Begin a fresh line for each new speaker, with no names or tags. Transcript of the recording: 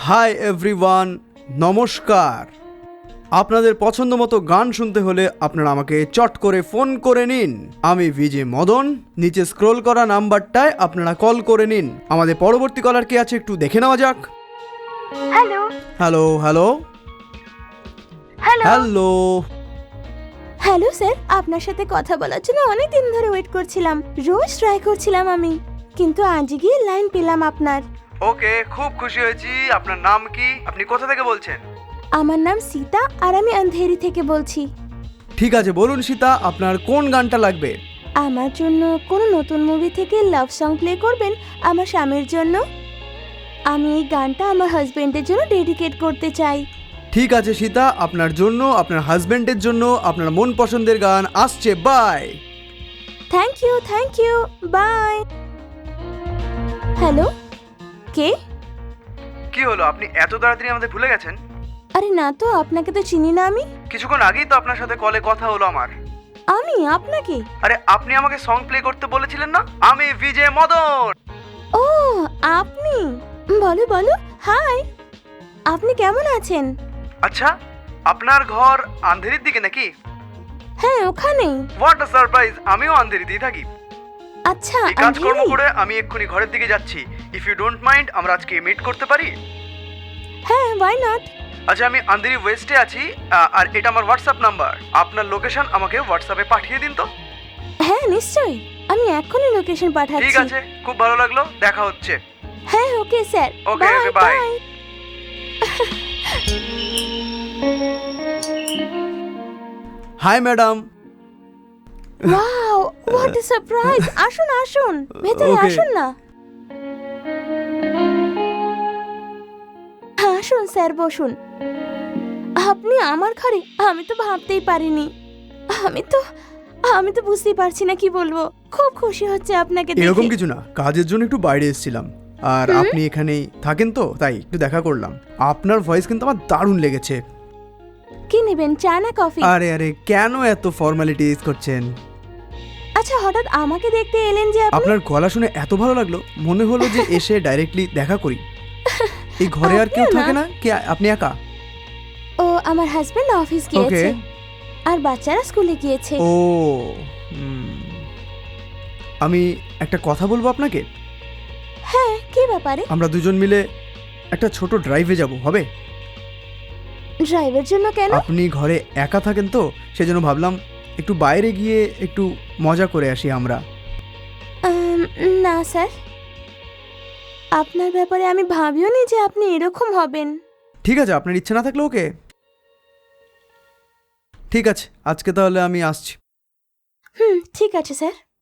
Hi everyone, নমস্কার। আপনাদের পছন্দ মতো গান শুনতে হলে আপনারা আমাকে চট করে ফোন করে নিন। আমি ভিজে মদন। নিচে স্ক্রোল করা নাম্বারটায় আপনারা কল করে নিন। আমাদের পরবর্তী কলার কে আছে একটু দেখে নেওয়া যাক।
Hello
hello hello
hello
hello.
Hello sir, আপনার সাথে কথা বলার জন্য অনেক দিন ধরে ওয়েট করছিলাম। রোজ ট্রাই করছিলাম আমি, কিন্তু আজ গিয়ে লাইন পেলাম আপনার।
ওকে, খুব খুশি হয়েছি। আপনার নাম কি? আপনি কোথা থেকে বলছেন?
আমার নাম সীতা আর আমি আন্ধেরি থেকে বলছি।
ঠিক আছে, বলুন সীতা, আপনার কোন গানটা লাগবে?
আমার জন্য কোনো নতুন মুভি থেকে লাভ সং প্লে করবেন আমার স্বামীর জন্য। আমি এই গানটা আমার হাজবেন্ডের জন্য ডেডিকেট করতে চাই।
ঠিক আছে সীতা, আপনার জন্য, আপনার হাজবেন্ডের জন্য আপনার মন পছন্দের গান আসছে। Bye.
Thank you, bye. Hello, কে?
কি হলো, আপনি এত তাড়াতাড়ি আমাদের ভুলে গেছেন?
আরে না তো, আপনাকে তো চিনি না আমি।
কিছুক্ষণ আগেই তো আপনার সাথে কলে কথা হলো আমার।
আমি আপনাকে?
আরে আপনি আমাকে সং প্লে করতে বলেছিলেন না? আমি ভিজে মদন।
ও, আপনি? বলো বলো। হাই, আপনি কেমন আছেন?
আচ্ছা, আপনার ঘর আন্ধেরির দিকে নাকি?
হ্যাঁ, ওখানেই।
হোয়াট আ সারপ্রাইজ, আমিও আন্ধেরিতেই থাকি।
আচ্ছা,
এই কাজকর্ম
আন্ধেরি?
করে আমি এক্ষুনি ঘরের দিকে যাচ্ছি। ইফ ইউ ডোন্ট মাইন্ড, আমরা আজকে মিট করতে পারি?
হ্যাঁ, ওয়াই নট।
আচ্ছা, আমি আন্ধেরি ওয়েস্টে আছি, আর এটা আমার হোয়াটসঅ্যাপ নাম্বার। আপনার লোকেশন আমাকে হোয়াটসঅ্যাপে পাঠিয়ে দিন তো।
হ্যাঁ, নিশ্চয়ই, আমি এখনই লোকেশন
ঠিক
পাঠাচ্ছি।
আছে, খুব ভালো লাগলো, দেখা হচ্ছে।
হ্যাঁ, okay sir.
Okay, okay, bye. Hi madam.
Wow, what a surprise. আসুন আসুন, ভেতরে
Okay.
আসুন না। আসুন স্যার, বসুন। আপনি আমার ঘরে? আমি তো ভাবতেই পারিনি। আমি তো বুঝতেই পারছি না কি বলবো। খুব খুশি হচ্ছে আপনাকে দেখে।
এরকম কিছু না, কাজের জন্য একটু বাইরে এসেছিলাম, আর আপনি এখানেই থাকেন তো তাই একটু দেখা করলাম। আপনার ভয়েস কিন্তু আমার দারুণ লেগেছে।
কি নেবেন, চা না কফি?
আরে আরে, কেন এত ফর্মালিটিজ করছেন?
আচ্ছা, হঠাৎ আমাকে দেখতে এলেন যে আপনি?
আপনার গলা শুনে এত ভালো লাগলো, মনে হলো যে এসে ডাইরেক্টলি দেখা করি। এই ঘরে আর কেউ
আপনিও না?
থাকে না কি? আপনি একা?
ও, আমার হাজবেন্ড অফিস গিয়েছে
ওকে।
আর বাচ্চারা স্কুলে গিয়েছে।
ও, আমি একটা কথা বলবো আপনাকে।
হ্যাঁ, কি ব্যাপারে?
আমরা দুজন মিলে একটা ছোট ড্রাইভে যাব, হবে?
ড্রাইভের জন্য কেন?
আপনি ঘরে একা থাকেন তো, সেজন্য ভাবলাম একটু বাইরে গিয়ে একটু মজা করে আসি আমরা।
না স্যার, আপনার ব্যাপারে আমি ভাবিও নি যে আপনি এরকম হবেন।
ঠিক আছে, আপনার ইচ্ছে না থাকলে ওকে। ঠিক আছে, আজকে তাহলে আমি আসছি।
ঠিক আছে স্যার।